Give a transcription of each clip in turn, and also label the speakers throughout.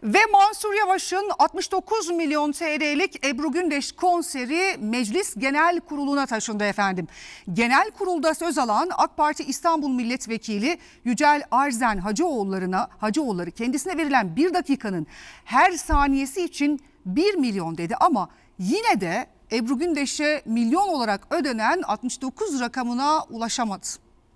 Speaker 1: Ve Mansur Yavaş'ın 69 milyon TL'lik Ebru Gündeş konseri Meclis Genel Kurulu'na taşındı efendim. Genel kurulda söz alan AK Parti İstanbul Milletvekili Yücel Arzen Hacıoğulları kendisine verilen bir dakikanın her saniyesi için 1 milyon dedi ama yine de Ebru Gündeş'e milyon olarak ödenen 69 rakamına ulaşamadı.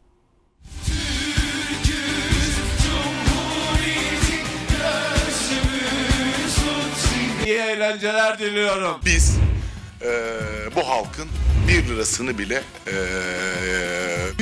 Speaker 2: İyi eğlenceler diliyorum.
Speaker 3: Biz bu halkın 1 lirasını bile
Speaker 4: 1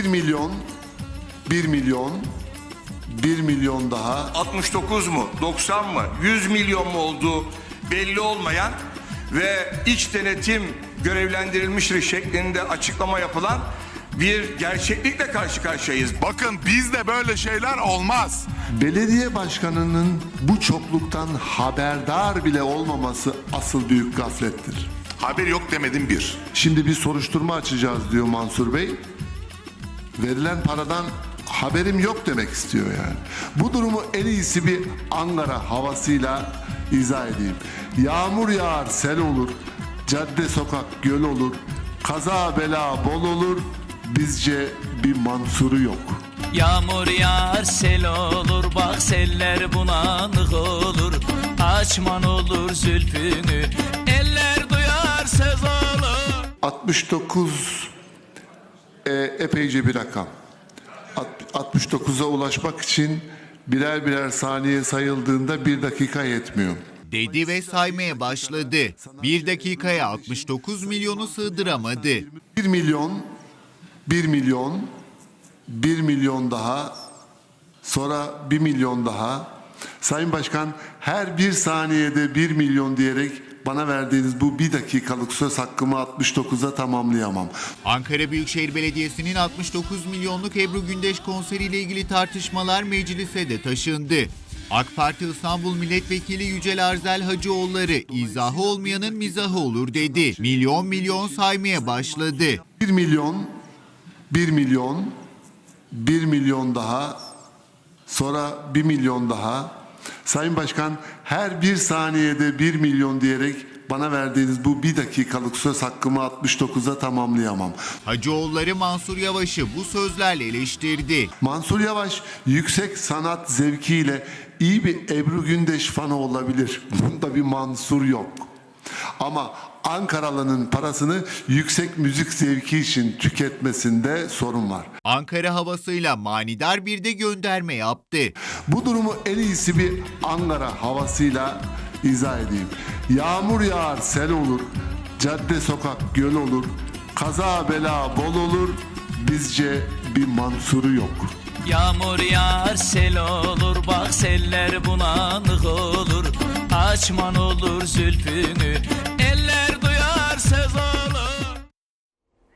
Speaker 4: milyon daha
Speaker 2: 69 mu, 90 mı, 100 milyon mu olduğu belli olmayan ve iç denetim görevlendirilmiştir şeklinde açıklama yapılan bir gerçeklikle karşı karşıyayız.
Speaker 3: bakın bizde böyle şeyler olmaz.
Speaker 4: belediye başkanının bu çokluktan haberdar bile olmaması asıl büyük gaflettir.
Speaker 3: Haber yok demedim bir.
Speaker 4: Şimdi bir soruşturma açacağız diyor Mansur Bey. Verilen paradan haberim yok demek istiyor yani. Bu durumu en iyisi bir Ankara havasıyla izah edeyim. Yağmur yağar sel olur, cadde sokak göl olur, kaza bela bol olur, bizce bir Mansur'u yok.
Speaker 5: Yağmur yağar sel olur, bak seller bulanık olur. Açman olur zülfünü, eller duyar söz olur.
Speaker 4: 69 epeyce bir rakam. 69'a ulaşmak için birer saniye sayıldığında 1 dakika yetmiyor.
Speaker 6: Dedi ve saymaya başladı. 1 dakikaya 69 milyonu sığdıramadı.
Speaker 4: 1 milyon daha, sonra 1 milyon daha. Sayın Başkan, her bir saniyede 1 milyon diyerek bana verdiğiniz bu 1 dakikalık söz hakkımı 69'a tamamlayamam.
Speaker 6: Ankara Büyükşehir Belediyesi'nin 69 milyonluk Ebru Gündeş konseriyle ilgili tartışmalar meclise de taşındı. AK Parti İstanbul Milletvekili Yücel Arzen Hacıoğulları izahı olmayanın mizahı olur dedi. Milyon saymaya başladı.
Speaker 4: 1 milyon daha, sonra 1 milyon daha. Sayın Başkan, her bir saniyede 1 milyon diyerek bana verdiğiniz bu 1 dakikalık söz hakkımı 69'a tamamlayamam.
Speaker 6: Hacıoğulları Mansur Yavaş'ı bu sözlerle eleştirdi.
Speaker 4: Mansur Yavaş yüksek sanat zevkiyle iyi bir Ebru Gündeş fanı olabilir. Bunda bir Mansur yok. Ama Ankaralı'nın parasını yüksek müzik zevki için tüketmesinde sorun var.
Speaker 6: Ankara havasıyla manidar bir de gönderme yaptı.
Speaker 4: Bu durumu en iyisi bir Ankara havasıyla izah edeyim. Yağmur yağar sel olur, cadde sokak göl olur, kaza bela bol olur, bizce bir Mansur'u yok.
Speaker 5: Yağmur yağar sel olur, bak seller bulanık olur. Açman olur zülfünü, eller duyar söz olur.